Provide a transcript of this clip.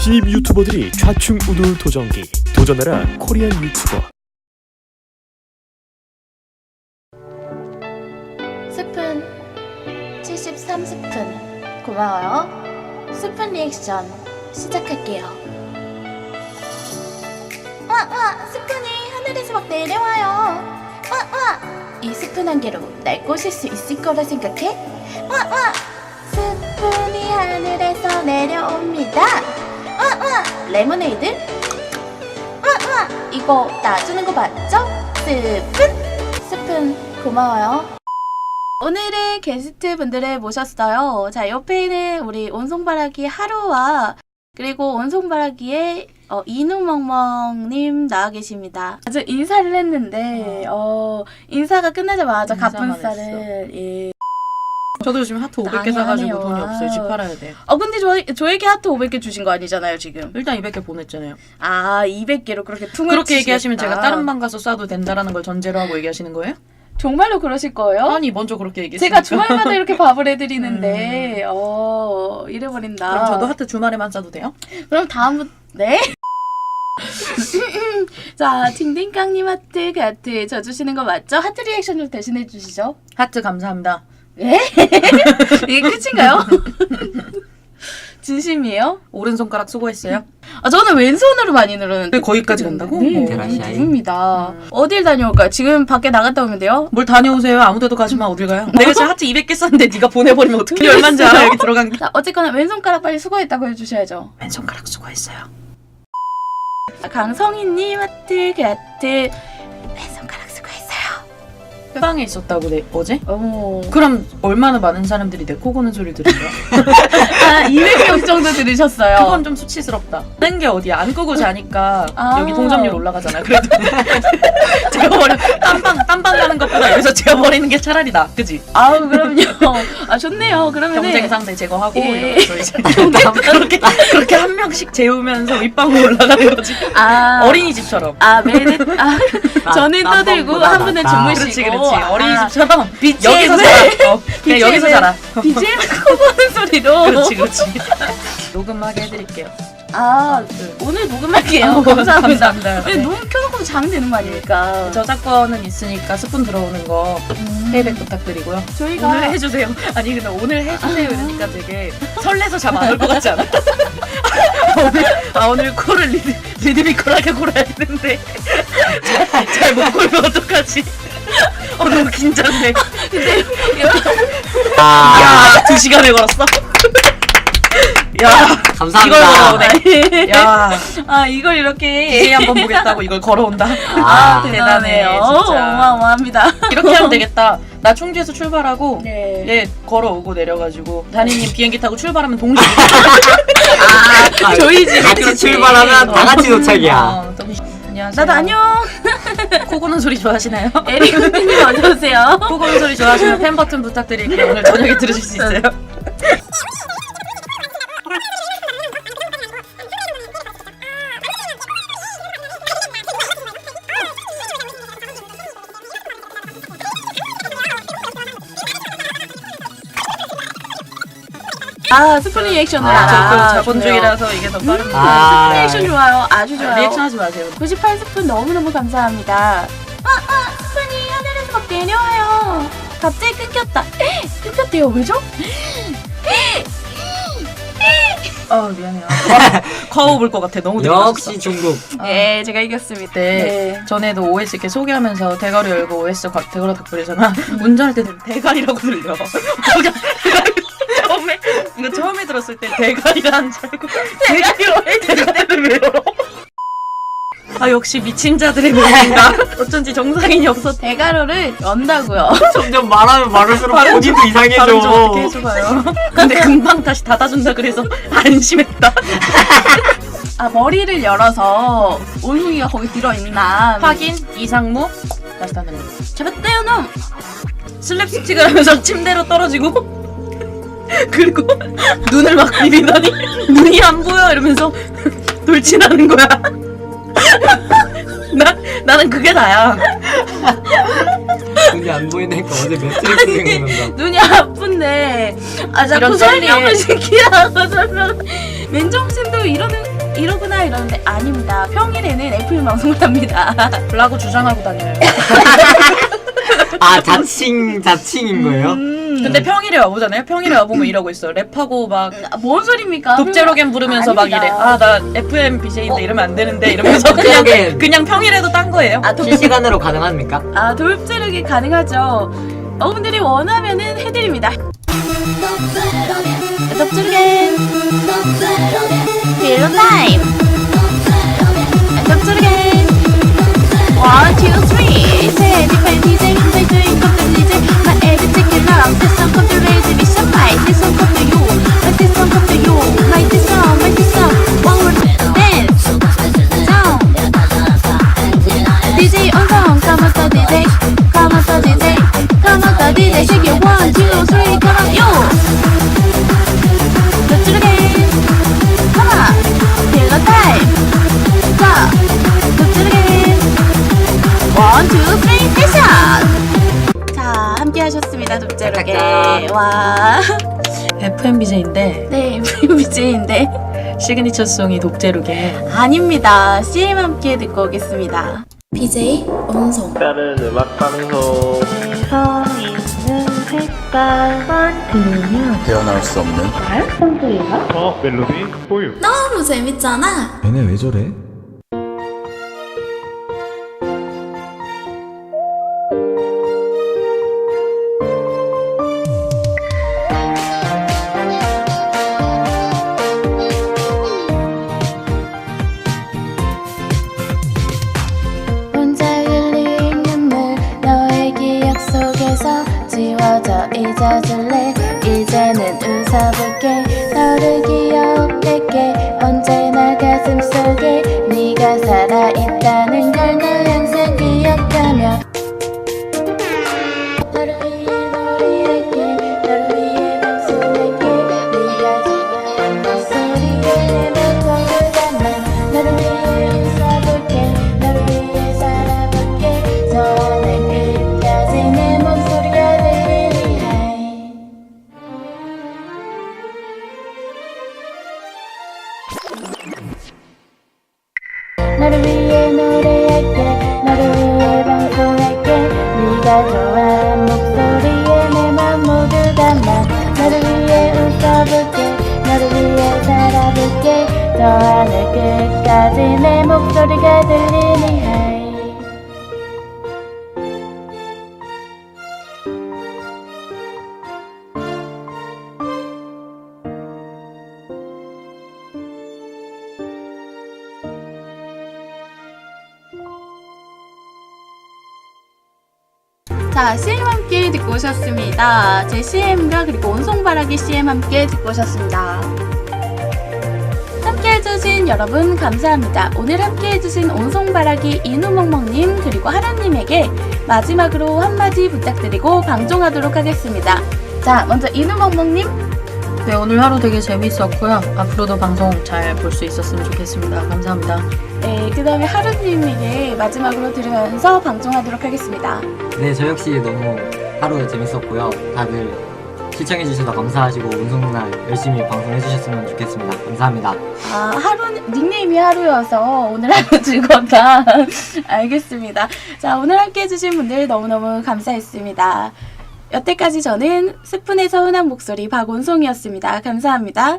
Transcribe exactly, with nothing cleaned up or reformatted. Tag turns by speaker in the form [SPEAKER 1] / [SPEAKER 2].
[SPEAKER 1] 신입 유튜버들이 좌충우돌 도전기 도전하라 코리안 유튜버.
[SPEAKER 2] 스푼 칠십삼 스푼 고마워요. 스푼 리액션 시작할게요. 와, 와, 스푼이 하늘에서 막 내려와요. 와, 와, 이 스푼 한 개로 날 꼬실 수 있을 거라 생각해? 와, 와, 스푼이 하늘에서 내려옵니다. 와, 와, 레모네이드? 와, 와, 이거 놔주는 거 맞죠? 스푼? 스푼 고마워요. 오늘의 게스트 분들을 모셨어요. 자, 옆에는 우리 온송바라기 하루와 그리고 온송바라기의 어, 이누멍멍님 나와 계십니다. 아주 인사를 했는데 어, 인사가 끝나자마자 갑분싸를 예.
[SPEAKER 3] 저도 지금 하트 오백 개 사가지고 돈이 없어요. 집 팔아야 돼.
[SPEAKER 2] 어 근데 저, 저에게 하트 오백 개 주신 거 아니잖아요 지금.
[SPEAKER 3] 일단 이백 개 보냈잖아요.
[SPEAKER 2] 아 이백 개로 그렇게 퉁을
[SPEAKER 3] 그렇게
[SPEAKER 2] 치시겠다.
[SPEAKER 3] 얘기하시면 제가 다른 방 가서 쏴도 된다라는 걸 전제로 하고 얘기하시는 거예요?
[SPEAKER 2] 정말로 그러실 거예요?
[SPEAKER 3] 아니 먼저 그렇게 얘기했으니까.
[SPEAKER 2] 제가 주말마다 이렇게 밥을 해드리는데 음. 어 이래버린다.
[SPEAKER 3] 그럼 저도 하트 주말에만 쏴도 돼요?
[SPEAKER 2] 그럼 다음부터 네? 자, 딩딩깡님 하트 그 하트 저 주시는 거 맞죠? 하트 리액션 좀 대신해 주시죠.
[SPEAKER 3] 하트 감사합니다.
[SPEAKER 2] 예? 이게 끝인가요? 진심이에요?
[SPEAKER 3] 오른손가락 수고했어요.
[SPEAKER 2] 아 저는 왼손으로 많이 누르는데
[SPEAKER 3] 거기까지 간다고?
[SPEAKER 2] 네,
[SPEAKER 3] 어.
[SPEAKER 2] 누릅니다.
[SPEAKER 3] 음.
[SPEAKER 2] 어딜 다녀올까요? 지금 밖에 나갔다 오면 돼요?
[SPEAKER 3] 뭘 다녀오세요. 아무데도 가지마. 어딜 가요? 내가 지금 하트 이백 개 썼는데 네가 보내버리면 어떻게 얼마인지 알아? 여기 들어간 게.
[SPEAKER 2] 자, 어쨌거나 왼손가락 빨리 수고했다고 해주셔야죠.
[SPEAKER 3] 왼손가락 수고했어요.
[SPEAKER 2] 강성희님 하트 그 하트 왼손가락 수고했어요.
[SPEAKER 3] 방에 있었다고 내 어제?
[SPEAKER 2] 어머.
[SPEAKER 3] 그럼 얼마나 많은 사람들이 내 코 고는 소리를 들은 거야?
[SPEAKER 2] 아 이백 명 정도 들으셨어요.
[SPEAKER 3] 그건 좀 수치스럽다. 딴 게 어디야? 안 끄고 자니까
[SPEAKER 2] 아.
[SPEAKER 3] 여기 동점률 올라가잖아. 그래도 재워버려. 딴방 딴방 가는 것보다 여기서 재워버리는 게 차라리 나. 그지?
[SPEAKER 2] 아우 그럼요. 아 좋네요. 그러면
[SPEAKER 3] 경쟁 상대 제거하고
[SPEAKER 2] 예.
[SPEAKER 3] 이러면서 이제 그렇게 그렇게 한 명씩 재우면서 윗방으로 올라가는 거지.
[SPEAKER 2] 아
[SPEAKER 3] 어린이집처럼.
[SPEAKER 2] 아 매일 아 저는 떠들고 한 분은 주무시고.
[SPEAKER 3] 그렇지 그렇지.
[SPEAKER 2] 아,
[SPEAKER 3] 어린이집처럼
[SPEAKER 2] 비지엠을
[SPEAKER 3] 여기서 살아. 어, 그냥 여기서 살아.
[SPEAKER 2] 비지엠 코 보는 소리로.
[SPEAKER 3] 그렇지 그렇지. 녹음하게 해드릴게요.
[SPEAKER 2] 아 오늘 녹음할게요.
[SPEAKER 3] 아,
[SPEAKER 2] 감사합니다.
[SPEAKER 3] 감사합니다.
[SPEAKER 2] 아니, 녹음 켜놓고 자면 되는 거 아닙니까?
[SPEAKER 3] 저작권은 있으니까 스푼 들어오는 거
[SPEAKER 2] 음.
[SPEAKER 3] 페이백 부탁드리고요.
[SPEAKER 2] 저희가
[SPEAKER 3] 오늘 해주세요. 아니 근데 오늘 해주세요 이러니까 되게 설레서 잠 안 올 것 같지 않아? 오늘, 아 오늘 코를 리드, 리드미컬하게 골아야 되는데 잘 못 골면 어떡하지? 어 너무 긴장돼.
[SPEAKER 2] 근데
[SPEAKER 3] 야, 두 시간을 걸었어. 야,
[SPEAKER 4] 감사합니다.
[SPEAKER 3] 이걸 걸어오네. 야,
[SPEAKER 2] 아 이걸 이렇게
[SPEAKER 3] 이제 한번 보겠다고 이걸 걸어온다.
[SPEAKER 2] 아,
[SPEAKER 4] 아,
[SPEAKER 2] 대단해요.
[SPEAKER 3] 대단해, 진짜.
[SPEAKER 2] 어마어마합니다.
[SPEAKER 3] 이렇게 하면 되겠다. 나 충주에서 출발하고
[SPEAKER 2] 네.
[SPEAKER 3] 얘 걸어오고 내려가지고 다니님 비행기 타고 출발하면 동시에
[SPEAKER 4] 아,
[SPEAKER 2] 저희 집
[SPEAKER 4] 같이
[SPEAKER 2] 그렇게.
[SPEAKER 4] 출발하면 다 같이 도착이야.
[SPEAKER 3] 어, 동시- 안녕하세요.
[SPEAKER 2] 나도 안녕.
[SPEAKER 3] 코 고는 소리 좋아하시나요?
[SPEAKER 2] 에릭 선생님 어서 오세요.
[SPEAKER 3] 코 고는 소리 좋아하시면 팬 버튼 부탁드릴게요. 오늘 저녁에 들으실 수 있어요.
[SPEAKER 2] 아 스푼 리액션을
[SPEAKER 4] 아,
[SPEAKER 3] 저
[SPEAKER 2] 아,
[SPEAKER 3] 자본주의라서 이게 더 빠릅니다.
[SPEAKER 4] 아.
[SPEAKER 2] 스푼 리액션 좋아요. 아주 좋아요.
[SPEAKER 3] 리액션 하지 마세요.
[SPEAKER 2] 구십팔 스푼 너무너무 감사합니다. 아, 아, 스푼이 하늘에서 막 내려와요. 갑자기 끊겼다. 에? 끊겼대요. 왜죠?
[SPEAKER 3] 아 미안해요. 과호 볼 것 같아. 너무
[SPEAKER 4] 역시 중국.
[SPEAKER 2] 네, 제가 이겼습니다.
[SPEAKER 3] 때
[SPEAKER 2] 네.
[SPEAKER 3] 전에도 오에스 이렇게 소개하면서 대가리 열고 오에스 각 대가리 닭불이잖아. 운전할 때는 대가리라고 들려. 처음에 이거 처음에 들었을 때 대가리라는 줄 알고 대가리 대가리를 왜 열어? 아 역시 미친 자들의 모임인가? 어쩐지 정상인이 없어.
[SPEAKER 2] 대가로를 연다고요.
[SPEAKER 4] 점점 말하면 말할수록
[SPEAKER 3] 발음
[SPEAKER 4] 본인도
[SPEAKER 3] 발음 좀
[SPEAKER 4] 이상해져.
[SPEAKER 3] 어떻게 해줘봐요. 근데 금방 다시 닫아준다 그래서 안심했다.
[SPEAKER 2] 아 머리를 열어서 온숭이가 거기 들어있나
[SPEAKER 3] 확인 이상무 다시 닫는 거.
[SPEAKER 2] 잡았대요 놈.
[SPEAKER 3] 슬랩스틱을 하면서 침대로 떨어지고 그리고 눈을 막 비비더니 눈이 안 보여 이러면서 돌진하는 거야. 나, 나는 그게 다야.
[SPEAKER 4] 눈이 안 보이니까 어제 매트릭스 생각난다.
[SPEAKER 2] 눈이 아픈데 아 자꾸
[SPEAKER 3] 이런
[SPEAKER 2] 설명을
[SPEAKER 3] 썰리에.
[SPEAKER 2] 시키라고 설명. 맨정신도 이러는 쉬나 이러는데 아닙니다. 평일에는 에프엠 방송을 합니다.
[SPEAKER 3] 라고 주장하고 다녀요.
[SPEAKER 4] 아 자칭 자칭인 거예요?
[SPEAKER 2] 음.
[SPEAKER 3] 근데 평일에 와보잖아요. 평일에 와보면 이러고 있어요. 랩하고 막
[SPEAKER 2] 아, 뭔 소리입니까?
[SPEAKER 3] 독재로겐 부르면서 막
[SPEAKER 2] 아닙니다.
[SPEAKER 3] 이래. 아 나 에프엠 비제이인데
[SPEAKER 2] 어?
[SPEAKER 3] 이러면 안 되는데 이러면서 그냥
[SPEAKER 4] 독재로겐.
[SPEAKER 3] 그냥 평일에도 딴 거예요.
[SPEAKER 2] 아, 독,
[SPEAKER 4] 실시간으로 가능합니까?
[SPEAKER 2] 아 돌제르기 가능하죠. 여러분들이 원하면은 해드립니다. 독제르겐 필로 타임. 독제르겐 one two three. Say different 디제이 say doing come to 디제이. My every chicken love this song come to raise me some my this song come to you. My this song come to you. My this song my this song one more dance song. 디제이 on song come on to 디제이 come on to 디제이 come on to 디제이 shake it one two three come on you. Let's do it again. Come on, feel the time. 자, let's do it again. One two three 패션. 자, 함께 하셨습니다. 독재로게.
[SPEAKER 4] 짝짝짝.
[SPEAKER 2] 와,
[SPEAKER 3] 에프엠 비제이인데
[SPEAKER 2] 네, 브이비제이인데
[SPEAKER 3] 시그니처 송이 독재로겐.
[SPEAKER 2] 아닙니다. 씨엠 함께 듣고 오겠습니다. 비제이 온송.
[SPEAKER 5] 다른 음악 방송
[SPEAKER 6] 헤어나올 수 없는
[SPEAKER 5] 어 멜로디 보유
[SPEAKER 2] 너무 재밌잖아.
[SPEAKER 6] 얘네 왜 저래?
[SPEAKER 2] 혼자 흘린 눈물 너의 기억 속에서 지워져 잊어줄래. 이제는 웃어볼게. 너를 기억할게. 언제나 가슴 속에 네가 살아있다는 걸 나 항상 기억하며 너를 위해 노래할게. 너를 위해 방송할게. 네가 좋아하는 목소리에 내 맘을 담아 너를 위해 웃어볼게. 너를 위해 살아볼게. 저 하늘 끝까지 내 목소리가 들리니 하이. 너를 위해 노래할게. 너를 위해 방송할게. 네가 좋아하는 목소리에 내 맘 모두 담아 너를 위해 웃어볼게. 너를 위해 살아볼게. 저 하늘 끝까지 내 목소리가 들리니 하이. 자, 씨엠 함께 듣고 오셨습니다. 제 씨엠과 그리고 온송바라기 씨엠 함께 듣고 오셨습니다. 함께 해주신 여러분 감사합니다. 오늘 함께 해주신 온송바라기 이누멍멍님 그리고 하루님에게 마지막으로 한마디 부탁드리고 방종하도록 하겠습니다. 자, 먼저 이누멍멍님.
[SPEAKER 3] 네, 오늘 하루 되게 재밌었고요. 앞으로도 방송 잘 볼 수 있었으면 좋겠습니다. 감사합니다.
[SPEAKER 2] 네, 그 다음에 하루님에게 마지막으로 들으면서 방종하도록 하겠습니다.
[SPEAKER 4] 네, 저 역시 너무 하루 재밌었고요. 다들 시청해주셔서 감사하시고 운송날 열심히 방송해주셨으면 좋겠습니다. 감사합니다.
[SPEAKER 2] 아, 하루, 닉네임이 하루여서 오늘 하루 즐거웠다. 알겠습니다. 자, 오늘 함께 해주신 분들 너무너무 감사했습니다. 여태까지 저는 스푼의 서운한 목소리 박온송이었습니다. 감사합니다.